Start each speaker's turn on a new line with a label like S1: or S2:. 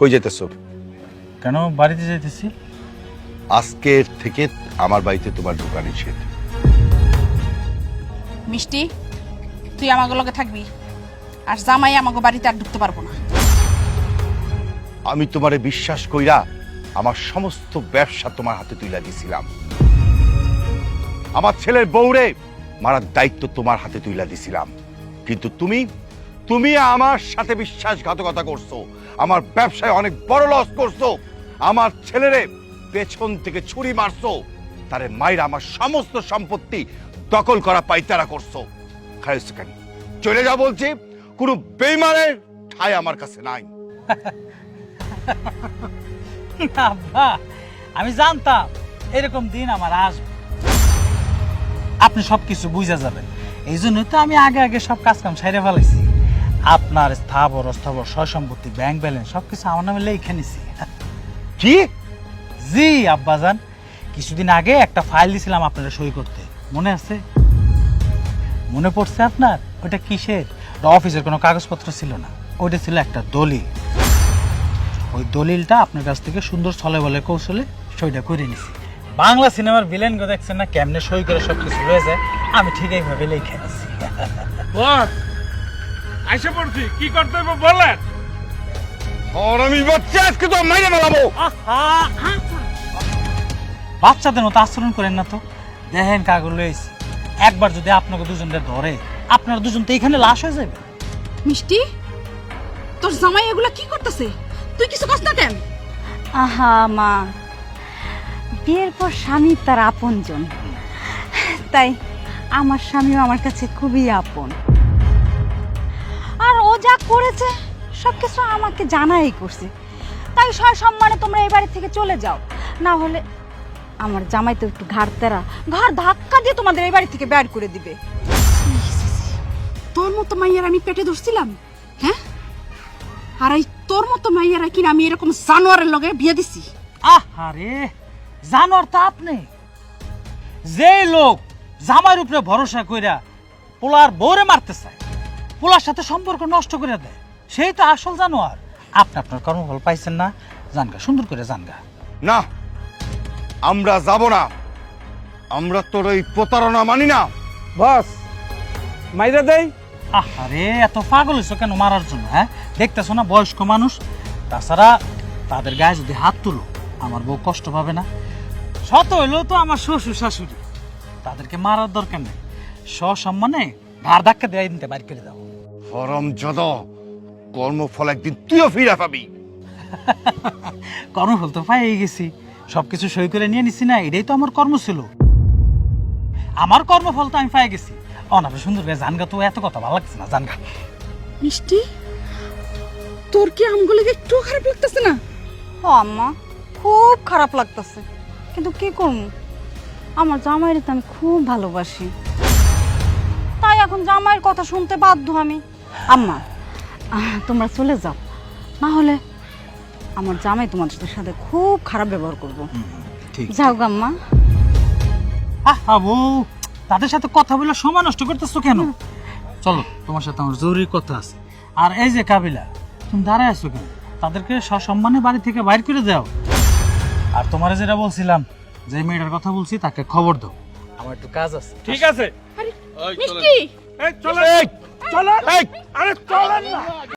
S1: কই যেতেছো?
S2: কেন বাড়িতে যাইতেছি?
S1: আজকের থেকে আমার বাড়িতে তোমার ঢোকা নিষেধ।
S3: মিষ্টি, তুই আমাকে লগে থাকবি, আর জামাই আমাকে বাড়িতে আর ঢুকতে পারবো না।
S1: আমি তোমারে বিশ্বাস কইরা আমার সমস্ত ব্যবসা তোমার হাতে তুইলা দিছিলাম। আমার ছেলের বউরে মারার দায়িত্ব তোমার হাতে তুইলা দিছিলাম, কিন্তু তুমি আমার সাথে বিশ্বাসঘাতকতা করছো, আমার ব্যবসায় অনেক বড় লস করছো, আমার ছেলেরে পেছন থেকে ছুরি মারছো, তারে মাইরা আমার সমস্ত সম্পত্তি দখল করা পাইতারা করছো। খাইছো কেন? চলে যা বলছি, কোনো বেইমানের ঠাই আমার কাছে নাই।
S2: আব্বা, আমি জানতাম এরকম দিন আমার আসবে, আপনি সবকিছু বুঝা যাবেন। এই জন্যই তো আমি আগে আগে সব কাজ কাম সাইরে ফেলাইছি। আপনার স্থাবর অস্থাবর সয় সম্পত্তি, ব্যাংক ব্যালেন্স সবকিছু আমার নামে লিখে নিছি।
S1: কি?
S2: জি আব্বাজান, কিছুদিন আগে একটা ফাইল দিছিলাম আপনারা সই করতে, মনে আছে? মনে পড়ছে আপনার? ওটা কিসের? অফিসের কোনো কাগজপত্র ছিল না, ওইটা ছিল একটা দলিল। ওই দলিলটা আপনার কাছ থেকে সুন্দর ছলে বলে কৌশলে সইটা করে নিছি। বাংলা সিনেমার ভিলেন গো দেখছেন না, কেমনে সই করে সবকিছু হয়ে যায়, আমি ঠিক এইভাবে লিখে নিছি।
S4: বস আইসা পড়ছি, কি করতে হবে বলেন।
S1: আর আমি বাচ্চা আজকে তো মাইরে ফেলাবো।
S2: বাচ্চাদের মতো আচরণ করেন না তো, দেখেন কাগজ লইছি, একবার যদি আপনাকে দুজনকে ধরে আপনারা দুজন তো এখানে লাশ হয়ে যাবে।
S3: মিষ্টি, তোর জামাই এগুলা কি করতেছে? তুই কিছু কষ্ট না কেন?
S5: আহা মা, বিয়ের পর স্বামী তার আপনজন, তাই আমার স্বামীও আমার কাছে খুবই আপন। আর ও যা করেছে সবকিছু আমাকে জানাই করছে, তাই সম্মানে তোমরা এই বাড়ি থেকে চলে যাও, না হলে আমার জামাই তো একটু ঘাড় ধাক্কা দিয়ে তোমাদের এই বাড়ি থেকে বের করে দিবে।
S3: তোর মতো মাইয়ার আমি পেটে ধরছিলাম, হ্যাঁ? আর এই তোর মতো মাইয়ারা কিনা আমি এরকম জানোয়ারের লগে বিয়ে দিছি?
S2: আরে জানোয়ার তো আপনি। যে লোক জামাইয়ের উপরে ভরসা কইরা পোলার বউরে মারতে চায়, পোলার সাথে সম্পর্ক নষ্ট করে দেয়, সেই তো আসল জানোয়ার। আপনি আপনার কর্মফল পাইছেন না, জানগা, সুন্দর করে জানগা।
S1: না, আমরা যাব না, আমরা তোর এই প্রতারণা মানি না।
S4: বস মাইরা দেই।
S2: আরে এত পাগল হইছো কেন মারার জন্য? হ্যাঁ, দেখতেছো না বয়স্ক মানুষ, তাছাড়া তাদের গায়ে যদি হাত তুলো আমার বউ কষ্ট পাবে না? শত হইলেও তো আমার শ্বশুর শাশুড়ি, তাদেরকে মারার দরকার নেই, সসম্মানে ঘাড় ধাক্কা দিয়ে দিতে বাইর করে দাও।
S1: হরমজাদ, কর্মফল একদিন তুইও ফিরে পাবি।
S2: কর্মফল তো পাই গেছি, সবকিছু সই করে নিয়ে নিছি না, এটাই তো আমার কর্ম ছিল। আমার কর্মফল তো আমি পাই গেছি। অনাবে সুন্দর করে জানগা, তো এত কথা ভালো লাগছে না, জানগা।
S3: মিষ্টি, তোর কি আমগুলো একটু খারাপ লাগতেছে না?
S5: ও আম্মা, খুব খারাপ লাগতেছে, কিন্তু কি করবো, আমার জামাইরে তো আমি খুব ভালোবাসি, তাই এখন জামাইয়ের কথা শুনতে বাধ্য আমি। আম্মা, তোমরা চলে যাও, না হলে আমার জামাই তোমাদের সাথে খুব খারাপ ব্যবহার করবো। যাও গাম্মা।
S2: বউ, তাদের সাথে কথা বলে সময় নষ্ট করতেছো কেন? চলো, তোমার সাথে আমার জরুরি কথা আছে। আর এই যে কাবিলা, তুমি দাঁড়ায় আছো কেন? তাদেরকে সসম্মানে বাড়ি থেকে বাইর করে দাও। আর তোমার যেটা বলছিলাম, যে মেয়েটার কথা বলছি তাকে খবর দাও, আমার একটু কাজ আছে।
S4: ঠিক আছে।
S3: মিষ্টি,
S4: এই চলেন, চলেন, আরে চলেন না।